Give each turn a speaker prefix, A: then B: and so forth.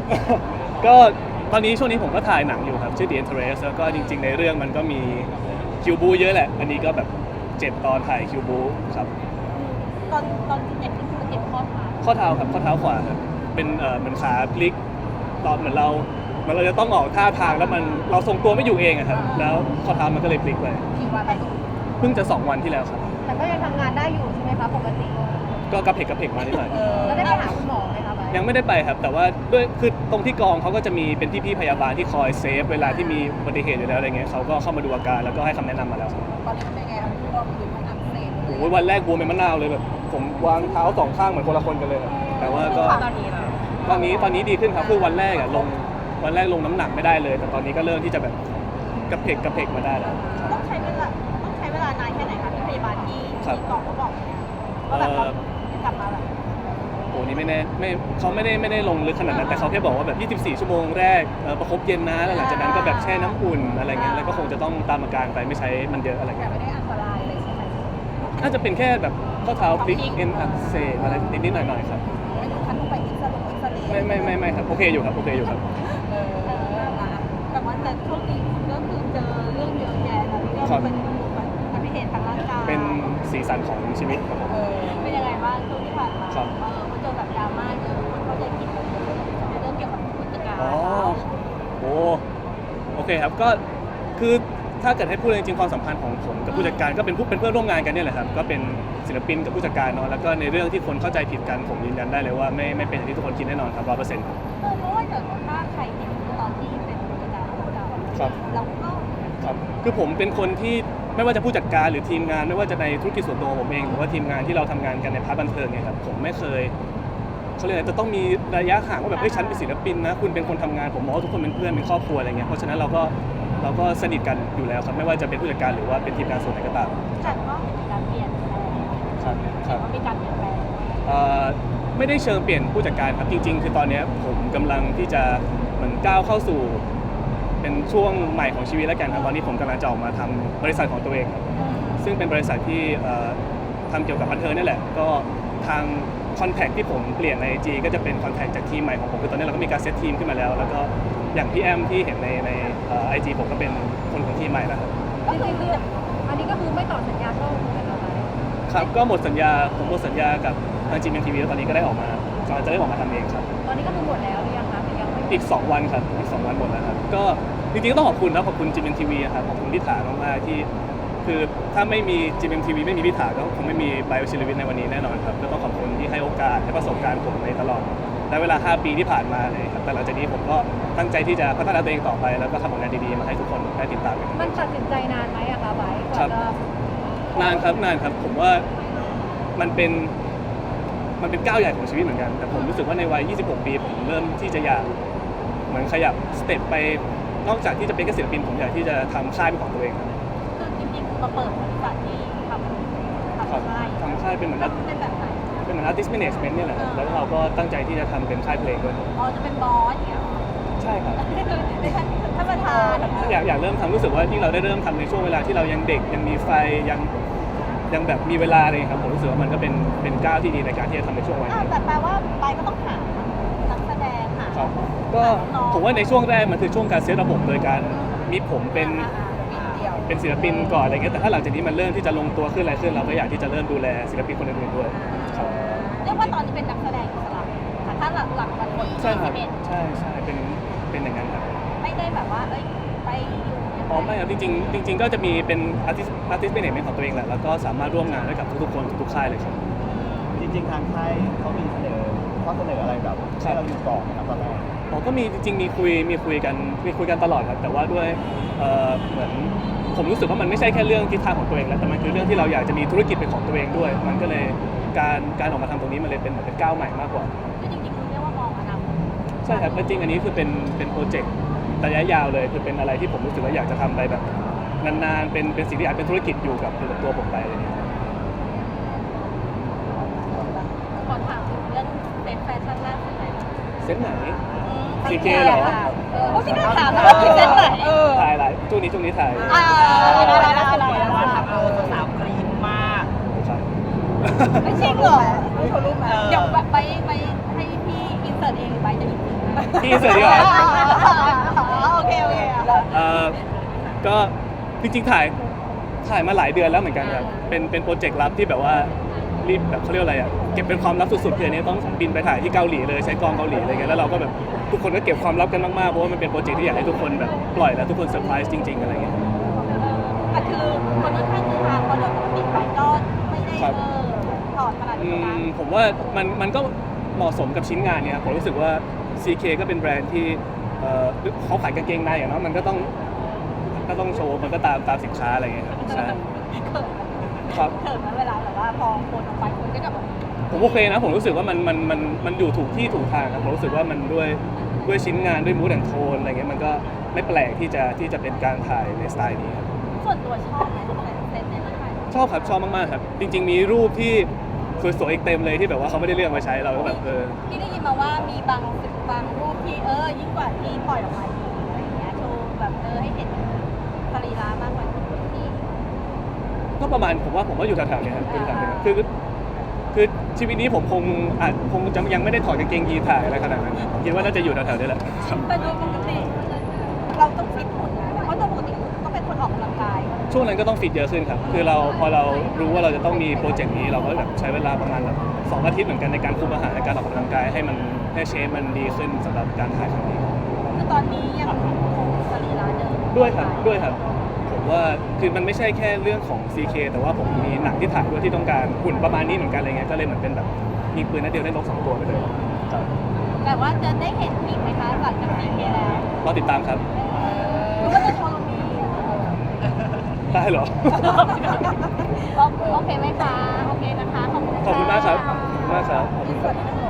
A: ก็ตอนนี้ช่วงนี้ผมก็ถ่ายหนังอยู่ครับชื่อ The Interest แล้วก็จริงๆในเรื่องมันก็มีคิวบูเยอะแหละอันนี้ก็แบบ7 ตอนถ่ายคิวบูครับ
B: ตอนที่เจ็บนี่คือเจ็บข้อเท้า
A: ข้อเท้าครับข้อเท้าขวาครับเป็นเหมือนขาพลิกตอนเหมือนเราจะต้องออกท่าทางแล้วมันเราทรงตัวไม่อยู่เองอะครับแล้วข้อเท้ามันก็เลยพลิกไป
B: กี่วันไป
A: เพิ่งจะ2 วันที่แล้วครับ
B: แต่ก็ยังทำงานได้อยู่ใช่ไหมคะปกติ
A: ก็กระเพกมานิดหน่อย
B: แล้วได้ไปหาคุณหมอไหมคะไป
A: ยังไม่ได้ไปครับแต่ว่าด้วยคือตรงที่กองเขาก็จะมีเป็นพี่ๆพยาบาลที่คอยเซฟเวลาที่มีอุบัติเหตุอยู่แล้วอะไรเงี้ยเขาก็เข้ามาดูอาการแล้วก็ให้คำแนะนำมาแล้วครับ
B: ตอนนี้เป็นไงครับก็คือมันอักเสบ
A: โอ้ยวันแรกบวมเป็นมะนาวเลยแบบผมวางเท้า2 ข้างเหมือนคนละคนกันเลยแต่ว่าก็ตอนนี้ดีขึ้นครับคือวันแรกอะวันแรกลงน้ำหนักไม่ได้เลยแต่ตอนนี้ก็เริ่มที่จะแบบกระเพกมาได้แล้ว
B: ต้องใช้เวลานานแค่ไหนคะที่พยาบาลที่กองเขาบอกว่าแบบเรากลับมาแบบ
A: โอ้นี่เขาไม่ได้ลงลึกขนาดนั้นแต่เขาแค่บอกว่าแบบ24 ชั่วโมงแรกประคบเย็นนะแล้วหลังจากนั้นก็แบบแช่น้ำอุ่นอะไรเงี้ยแล้วก็คงจะต้องตามอาการไปไม่ใช้มันเยอะอะไรเงี้ย
B: ไม่ได้อันตรายเลยใช่ไหม
A: น่าจะเป็นแค่แบบข้อเท้าพลิกเอ็นอักเสบอะไรนิดๆหน่อยๆครับ
B: ไม่ถึงขั้นต้องไปอิสระ
A: ไม่ครับโอเคอยู่ครับ
B: แต่ว่าแต่ช่วงนี้ก็คือเจอเรื่องเยอะแยะแล้วก็เป็นอุบัติเหตุทางร่างกาย
A: เป็นสีสันของชีวิตครับผม
B: เป็นยังไงบ้างช่วงที่ผ่านมามันเจอแบบดราม่าเยอะคนเข้าใจผิดเรื่องเกี่ยวกับผู้จัดการ
A: โอเคครับก็คือถ้าเกิดให้พูดจริงๆความสัมพันธ์ของผมกับผู้จัดการก็เป็นเพื่อนร่วมงานกันเนี่ยแหละครับก็เป็นศิลปินกับผู้จัดการเนาะแล้วก็ในเรื่องที่คนเข้าใจผิดกันผมยืนยันได้เลยว่าไม่เป็นอย่างที่ทุกคนคิดแน่นอนครับ100%ครับ
B: เพราะว่าเกิดถ้าใครเห็นตอนที่เป็นผู้จัดการของเราเราก็
A: ครับคือผมเป็นคนที่ไม่ว่าจะผู้จัดการหรือทีมงานไม่ว่าจะในธุรกิจส่วนตัวผมเองหรือว่าทีมงานที่เราทำงานกันในพาร์ทบันเทิงเนี่ยครับผมไม่เคยเขาเรียกอะไรจะต้องมีระยะห่างว่าแบบฉันเป็นศิลปินนะคุณเป็นคนทำงานผมมองว่าทุกคนเป็นเพื่อนเป็นครอบครัวอะไรเงี้ยเพราะฉะนั้นเราก็สนิทกันอยู่แล้วครับไม่ว่าจะเป็นผู้จัดการหรือว่าเป็นทีมงานส่วนไหนก็ตาม
B: แต่ก็มีการเปลี่ยน
A: ครับ
B: มีการเปลี่ยนแปลง
A: ไม่ได้เชิงเปลี่ยนผู้จัดการครับจริงๆคือตอนนี้ผมกำลังที่จะเหมือนก้าวเข้าสู่เป็นช่วงใหม่ของชีวิตแล้วกันครับตอนนี้ผมกำลังจะออกมาทำบริษัทของตัวเองครับซึ่งเป็นบริษัทที่ทำเกี่ยวกับบันเทิงนี่แหละก็ทางคอนแทคที่ผมเปลี่ยนใน IG ก็จะเป็นคอนแทคจากทีมใหม่ของผมคือตอนนี้เราก็มีการเซตทีมขึ้นมาแล้วแล้วก็อย่างพี่แอมที่เห็นในIG ผมก็เป็นคนของทีมใหม่แล้วครับ
B: ก็คืออันนี้ก็คือไม่ต่อสัญญาช่องกันแล้ว
A: ครับก็หมดสัญญาผมหมดสัญญากับทาง GMMTV แล้วตอนนี้ก็ได้ออกมากำลังจะได้ออกมาทำเองครับ
B: ตอนนี้ก็คือหมดแล้วหรือยังคะยังไม่
A: อีก2 วันครับอีก2 วันหมดแล้วครับก็จริงๆก็ต้องขอบคุณนะขอบคุณ GMMTV ครับขอบคุณพิธามากๆที่คือถ้าไม่มี GMMTV ไม่มีพิธาก็คงไม่มีไบโอชิลวิทในวันนี้แน่นอนครับก็ต้องขอบคุณที่ให้โอกาสให้ประสบการณ์ผมในตลอดและเวลา5 ปีที่ผ่านมาเลยครับแต่หลังจากนี้ผมก็ตั้งใจที่จะพัฒนาตัวเองต่อไปแล้วก็ทำผลงานดีๆมาให้ทุกคนได้ติดตามกัน
B: มันตัดสินใจนานไหมอะคะไบกว่าจะ
A: นานครับผมว่ามันเป็นก้าวใหญ่ของชีวิตเหมือนกันแต่ผมรู้สึกว่าในวัย26 ปีผมเริ่มที่จะอยากเหมือนขยับสเต็ปไปนอกจากที่จะเป็นแค่ศิลปินผมอยากที่จะทำค่ายเป็นของตัวเอง
B: คือจริงๆมาเปิดบริษัทที่ทำ
A: ค่ายเป็นเหมือน
B: เป็นแบบไหน
A: เป็นเหมือน artist management เนี่ยแหละแล้วเราก็ตั้งใจที่จะทำเป็นค่ายเพลงด้วย
B: จะเป็นบอสอย่างเงี้ย
A: ใช่ครับ
B: ท่านประธาน
A: อยากเริ่มทำรู้สึกว่ายิ่งเราได้เริ่มทำในช่วงเวลาที่เรายังเด็กยังมีไฟยังแบบมีเวลาเลยครับผมรู้สึกว่ามันก็เป็นก้าวที่ดีในการที่จะทำในช่วงวัยนี้
B: แต่แปลว่าไปก็ต้องหานักแสดงหา
A: ครับก็ผมว่าในช่วงแรกมันคือช่วงการเซตระบบโดยการมีผมเป็นศิลปินก่อนอะไรเงี้ยแต่ถ้าหลังจากนี้มันเริ่มที่จะลงตัวขึ้นอะไรขึ้นเราก็อยากที่จะเริ่มดูแลศิลปินคนอื่นๆด้วยครับ
B: เรียกว่าตอนนี้เป็นนักแสดงอิสระถ้าหลักวัน
A: ใช่ครับใช่เป็นอย่างนั้นครับ
B: ไม่ได้แบบว่าไป
A: อยู่ไม่ครับจริงก็จะมีเป็นอาร์ติสต์เป็นเอกของตัวเองแหละแล้วก็สามารถร่วมงานได้กับทุกๆคนทุกค่ายเลยครับ
C: จริงๆทางค่ายเขามีข้อเสนออะไรแบบให้เราอยู่ต่อไหมครับตอนแรก
A: ก็มีจริงๆมีคุยกันตลอดครับแต่ว่าด้วยเหมือนผมรู้สึกว่ามันไม่ใช่แค่เรื่องทิศทางของตัวเองแล้วแต่มันคือเรื่องที่เราอยากจะมีธุรกิจเป็นของตัวเองด้วยมันก็เลยการออกมาทำตรงนี้มันเลยเป็นเหมือนเป็นก้าวใหม่มากกว่า
B: จริงๆเรียกว่ามองอนาคต
A: ใช่ครับจริงอันนี้คือเป็นโปรเจกต์ระยะยาวเลยคือเป็นอะไรที่ผมรู้สึกว่าอยากจะทำไปแบบนานๆเป็นสิ่งที่อาจเป็นธุรกิจอยู่กับตัวผมไปอะไรอย่างเงี้ย
B: ขอถามเรื่องเซ็ตแฟชั่นล่าสุดไหน
A: เซ็ตไหนCK เหรอ
B: พี่น่าถามว่าเซ็ตไหน
A: ถ่ายอะไรช่วงนี้ถ่าย
C: ว่าทำเอาสาวกรี๊ดมาก
B: ไม่ใช่เหรอเดี๋ยวไปให้พี่อินเสิร์ตเองหรือไปจะ
A: พี่เสิร์ตดีกว่า
B: โอเคโอเคอ่ะ
A: ก็จริงๆถ่ายมาหลายเดือนแล้วเหมือนกันครับเป็นโปรเจกต์ลับที่แบบว่ารีบแบบเขาเรียกว่าอะไรอ่ะเก็บเป็นความลับสุดๆคืออันนี้ต้องบินไปถ่ายที่เกาหลีเลยใช้กองเกาหลีอะไรเงี้ยแล้วเราก็แบบทุกคนก็เก็บความลับกันมากๆเพราะว่ามันเป็นโปรเจกต์ที่อยากให้ทุกคนแบบปล่อยแล้วทุกคนเซอร์ไพรส์จริงๆอะไรเงี้ย
B: แต่คือคนค่อนข้างคือทางเพราะโดยปกติไปก็ไม่ได้ถอดขนาดนี้นะ
A: ผมว่ามันก็เหมาะสมกับชิ้นงานเนี่ยครับผมรู้สึกว่า CK ก็เป็นแบรนด์ที่เขาขายกางเกงในอะเนาะมันก็ต้องโชว์มันก็ตามสินค้าอะไรเงี้ยครับใช่ครับ
B: เถิดนะเวลาแบบว่าพอคนออกไปคนก็จะแบบ
A: ผมโอเคนะผมรู้สึกว่ามันอยู่ถูกที่ถูกทางครับผมรู้สึกว่ามันด้วยชิ้นงานด้วยมูดแอนโทนอะไรเงี้ยมันก็ไม่แปลกที่จะเป็นการถ่ายในสไตล์นี้ครับ
B: ส่วนตัวชอบไหมเซตในนั้นไหม
A: ชอบครับชอบมากๆครับจริงๆมีรูปที่สวยๆอีกเต็มเลยที่แบบว่าเขาไม่ได้เลือกมาใช้เราก็แบบ
B: ที่ได้ยินมาว่ามีบางรูปที่ยิ่งกว่าที่ปล่อยออกมาอีกอะไรอย่างเงี้ยโชว์แบบให้เห็นสรีระมากกว่าที่
A: ก็ประมาณผมว่าอยู่แถวๆนี้ครับอยู่แถวๆนี้คือชีวิตนี้ผมคงจะยังไม่ได้ถอดกางเกงยีนถ่ายอะไรขนาดนั้นผมคิดว่าน่าจะอยู่แถวๆนี้แหละครับ
B: แต่โดยปกติเราต้องฟิตหุ่นนะเพราะโดยปกติก็เป็นคนออกกำลังกาย
A: ช่วงนั้นก็ต้องฟิตเยอะขึ้นครับคือพอเรารู้ว่าเราจะต้องมีโปรเจกต์นี้เราก็แบบใช้เวลาประมาณแบบ2 อาทิตย์เหมือนกันในการคุมอาหารในการออกกำลังกายให้เชฟมันดีขึ้นสำหรับการถ่ายครั้งนี้
B: คือตอนนี้ยังคงสรีระเดิม
A: ด้วยครับผมว่าคือมันไม่ใช่แค่เรื่องของ CK แต่ว่าผมมีหนังที่ถ่ายด้วยที่ต้องการหุ่นประมาณนี้เหมือนกันอะไรเงี้ยก็เลยเหมือนเป็นแบบยิงปืนนัดเดียวได้นก2 ตัวไปเลยครับ
B: แต่ว่าจะได้เห็นอีกไหมคะหลังจากนี้แล้ว
A: รอติดตามครับ
B: หรือว่าจะโชว์ลงนี้
A: ได้เหรอ
B: โอเคไหมคะโอเคนะคะขอบคุณ
A: ขอบคุณมากครับขอบคุณมากครับขอบคุณครับ
B: ที่สุด